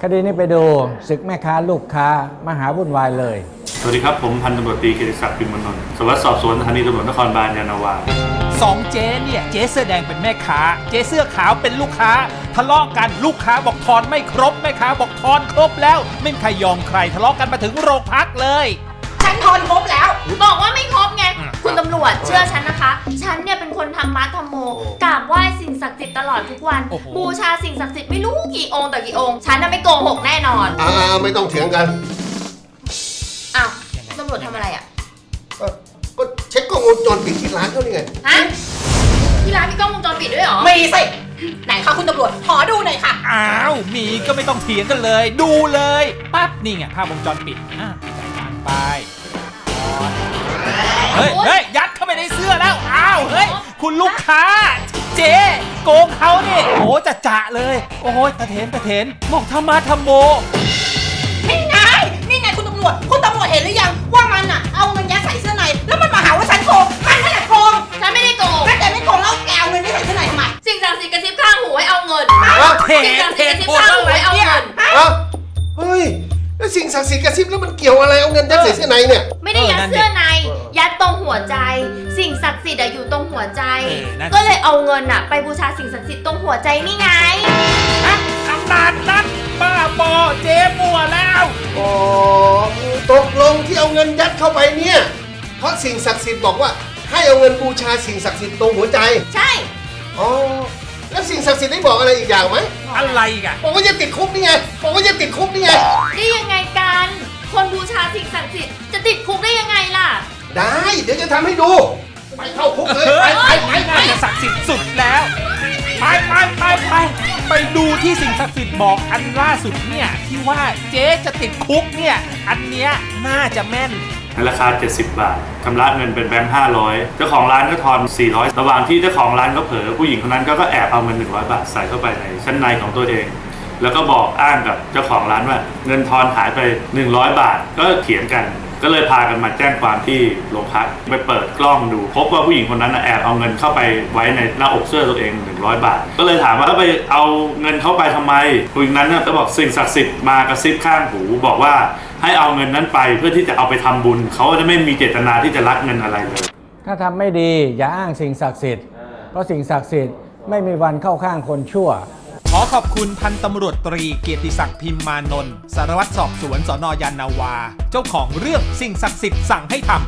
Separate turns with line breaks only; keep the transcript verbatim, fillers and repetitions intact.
คดีนี้ไปดูศึกแม่ค้าลูกค้ามหาวุ่นวายเลย
สวัสดีครับผมพันตำรวจตรีเกียรติศักดิ์ปิ่นมนนท์สารวัตรสอบสวนสถานีตำรวจนครบาลยานนาวา
สองเจ๊เนี่ยเจ๊เสื้อแดงเป็นแม่ค้าเจ๊เสื้อขาวเป็นลูกค้าทะเลาะกันลูกค้าบอกทอนไม่ครบแม่ค้าบอกทอนครบแล้วไม่มีใครยอมใครทะเลาะกันมาถึงโรงพักเลย
ฉันทอนครบแล้วบอกว่าไม่ครบไงคุณตำรวจเชื่อฉันนะคะฉันเนี่ยเป็นคนทำมัดทำโมกราบไหว้สิ่งศักดิ์สิทธิ์ตลอดทุกวันบูชาสิ่งศักดิ์สิทธิ์ไม่รู้กี่องค์ต่อกี่องค์ฉันน่ะไม่โกหกแน่นอน
อ่าไม่ต้องเถียงกัน
อ้าวตำรวจทำอะไรอ่ะ
ก็เช็คกล้องวงจรปิดที่ร้านเขานี่ไง
ฮะที่ร้านมีกล้องวงจรปิดด้วยเหรอ
มีสิไหนคะคุณตำรวจขอดูหน่อยค่ะ
อ้าวมีก็ไม่ต้องเถียงกันเลยดูเลยปั๊บนี่ไงภาพวงจรปิดอ่ะจ่ายตังค์ไปเฮ้ยเฮ้ยยัดเข้าไปในเสื้อแล้วอ้าวเฮ้ยคุณลูกค้าเจ๊โกงเขานี่โอ้จะจะเลยโอ้ยตะเถนตะเถนบอกธรรมะธรรมโม
นี่ไงนี่ไงคุณตำรวจคุณตำรวจเห็นหรือยังว่ามันอ่ะเอาเงินยัดใส่เสื้อในแล้วมันมาหาว่าฉันโกงมันไม่ได้โกง
ฉันไม่ได้โกง
แล้วแกไม่โกงแล้วแกเอาเงินยัดใส่เสื้อในทำไม
สิ่งศักดิ์สิทธิ์กระซิบข้างหูให้เอาเงิน
เทเทโคตรอะไร
เนี่ย
เฮ้ยแล้วสิ่งศักดิ์สิทธิ์กระซิบแล้วมันเกี่ยวอะไรเอาเงินยัดใส่เสื้อในเนี่ย
ไม่ได้ยัดเสื้อในยัดตรงหัวใจสิ่งศักดิ์สิทธิ์อยู่ตรงหัวใจก็เลยเอาเงินอะไปบูชาสิ่งศักดิ์สิทธิ์ตรงหัวใจนี่ไง
ขนาดนั้นบ้าบอเจ๊มัวแล้ว
อ๋อตกลงที่เอาเงินยัดเข้าไปเนี่ยเพราะสิ่งศักดิ์สิทธิ์บอกว่าให้เอาเงินบูชาสิ่งศักดิ์สิทธิ์ตรงหัวใจ
ใช่
อ๋อแล้วสิ่งศักดิ์สิทธิ์ได้บอกอะไรอีกอย่างไหม
อะไรกัน
บอกว่าจะติดคุกนี่ไงบอกว่าจะติดคุกนี่ไง
ได้ยังไงกันคนบูชาสิ่งศักดิ์สิทธิ์จะติดคุกได้ยังไงล่ะ
ได้เดี๋ยวจะทำให้ดูไปเข้าคุกเลยไปไปไปไป
จะศักดิ์สิทธิ์สุดแล้วไปไปไปไปไปดูที่สิ่งศักดิ์สิทธิ์บอกอันล่าสุดเนี่ยที่ว่าเจ๊จะติดคุกเนี่ยอันเนี้ยน่าจะแม่น
ราคาเจ็ดสิบบาทชำระเงินเป็นแบงค์ห้าร้อยเจ้าของร้านก็ทอนสี่ร้อยระหว่างที่เจ้าของร้านก็เผลอผู้หญิงคนนั้นก็แอบเอาเงินหนึ่งร้อยบาทใส่เข้าไปในชั้นในของตัวเองแล้วก็บอกอ้างกับเจ้าของร้านว่าเงินทอนหายไปหนึ่งร้อยบาทก็เถียงกันก็เลยพากันมาแจ้งความที่โรงพักไปเปิดกล้องดูพบว่าผู้หญิงคนนั้นแอบเอาเงินเข้าไปไว้ในหน้าอกเสื้อตัวเองหนึ่งร้อยบาทก็เลยถามว่าไปเอาเงินเข้าไปทำไมผู้หญิงนั้นก็บอกสิ่งศักดิ์สิทธิ์มากระซิบข้างหูบอกว่าให้เอาเงินนั้นไปเพื่อที่จะเอาไปทำบุญเขาจะไม่มีเจตนาที่จะลักเงินอะไรเลย
ถ้าทำไม่ดีอย่าอ้างสิ่งศักดิ์สิทธิ์เพราะสิ่งศักดิ์สิทธิ์ไม่มีวันเข้าข้างคนชั่ว
ขอขอบคุณพันตำรวจตรีเกียรติศักดิ์พิมมานนท์สารวัตรสอบสวนสน.ยานนาวาเจ้าของเรื่องสิ่งศักดิ์สิทธิ์สั่งให้ทำ